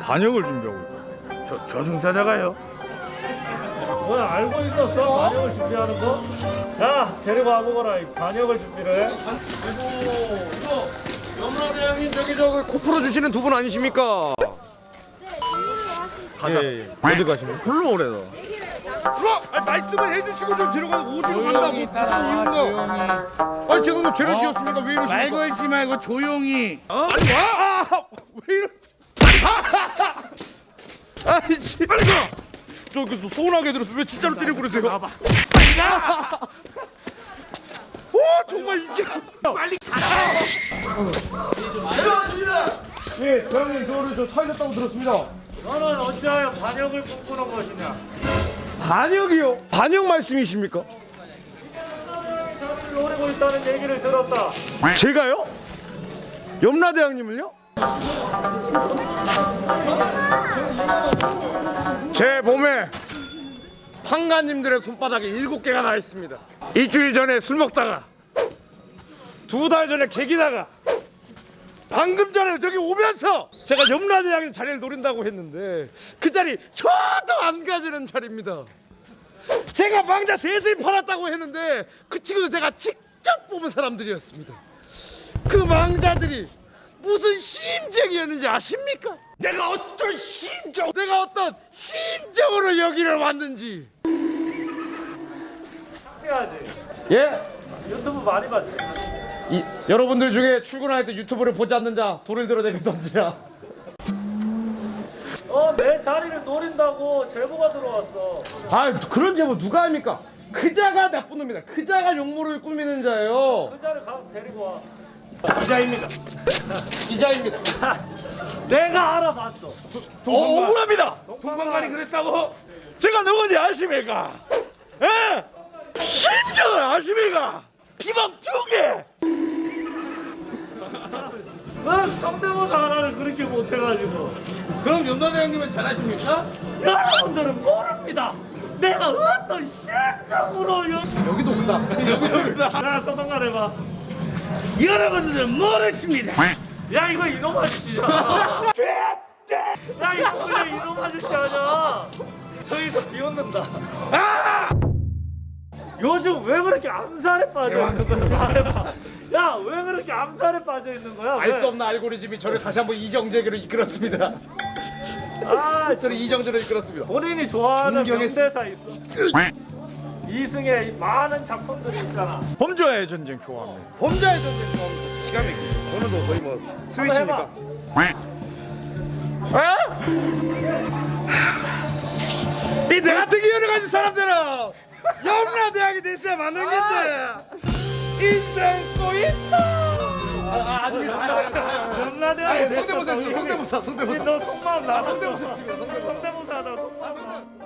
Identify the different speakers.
Speaker 1: 반역을 준비하고 있다. 저승사자가요?
Speaker 2: 뭐 알고 있었어? 반역을 준비하는 거? 자, 데리고 와보거라. 이 반역을 준비를 해.
Speaker 3: 이거 염라대왕님 저기 코 풀어주시는 두 분 아니십니까?
Speaker 1: 가자.
Speaker 3: 어디 가십니까?
Speaker 1: 불러오래다.
Speaker 3: 말씀을 해주시고 좀 데려가고 어디로 간다고 무슨 이유가? 아니 제가 뭐 죄를 지었습니까? 왜 이러십니까?
Speaker 1: 말 걸지 말고 조용히.
Speaker 3: 아니 와! 왜 이러? 아니 씨 빨리 가! 저기 또 서운하게 들었어. 왜 진짜로 때리고 그러세요?
Speaker 1: 나봐. 빨리 가.
Speaker 3: 오 정말 이게
Speaker 1: 빨리 가라.
Speaker 3: 예, 대왕님 저를 저 살렸다고 들었습니다.
Speaker 2: 너는 어찌하여 반역을 꿈꾸는 것이냐?
Speaker 3: 반역이요? 반역 말씀이십니까?
Speaker 2: 저를 노리고 있다는 얘기를 들었다.
Speaker 3: 제가요? 염라대왕님을요? 제 몸에 판가님들의 손바닥에 7개가 나 있습니다. 일주일 전에 술 먹다가 2달 전에 개기다가 방금 전에 저기 오면서 제가 염라대왕님 자리를 노린다고 했는데 그 자리 저도 안 가지는 자리입니다. 제가 망자 셋을 팔았다고 했는데 그 친구들 제가 직접 뽑은 사람들이었습니다. 그 망자들이 무슨 심정이었는지 아십니까? 내가 어떤 심정으로 여기를 왔는지.
Speaker 2: 창피하지?
Speaker 3: 예?
Speaker 2: 유튜브 많이 봤지?
Speaker 3: 여러분들 중에 출근할 때 유튜브를 보지 않는 자 돌을 들어내게 던지라.
Speaker 2: 내 자리를 노린다고 제보가 들어왔어.
Speaker 3: 아 그런 제보 누가 합니까? 그 자가 나쁜 놈이다. 그 자가 용모를 꾸미는 자예요.
Speaker 2: 그 자를 데리고 와.
Speaker 3: 기자입니다. 기자입니다.
Speaker 2: 내가 알아봤어.
Speaker 3: 억울합니다.
Speaker 1: 동방관이 그랬다고?
Speaker 3: 제가 누군지 아십니까? 예? 심정을 아십니까? 비방 2개.
Speaker 2: 넌 성대모사 하나를 그렇게 못해가지고.
Speaker 1: 그럼 염라대왕님은 잘하십니까?
Speaker 2: 여러분들은 모릅니다. 내가 어떤 심정으로
Speaker 3: 여기도 온다.
Speaker 2: 야, 소통관 해봐.
Speaker 1: 여러분들은 모르십니다.
Speaker 2: 야, 이거 이놈 아저씨야. 야, 이거 그냥 이놈 아저씨 아니야. 저기서 비웃는다. 요즘 왜 그렇게 암살에 빠져 있는 거야? 말해봐. 야, 왜 그렇게 암살에 빠져 있는 거야?
Speaker 3: 알 수 없는 알고리즘이 저를 다시 한번 이정재로 이끌었습니다. 저를 이정재로 이끌었습니다.
Speaker 2: 본인이 좋아하는
Speaker 3: 존경했어.
Speaker 2: 명대사 있어. 이승의 많은 작품들이 있잖아.
Speaker 1: 범죄와의 전쟁 좋아합니다.
Speaker 3: 범자의 전쟁 좋아합니다. 기가 막히죠. 오늘도 거의 뭐 스위치니까. 이 내 같은 기운을 가진 사람들은 염라대왕이 됐어야 맞는 건데 인생 꼬있다.
Speaker 2: 전라대왕이
Speaker 3: 성대모사.
Speaker 2: 너 속마음 나 성대모사 하다가 속마음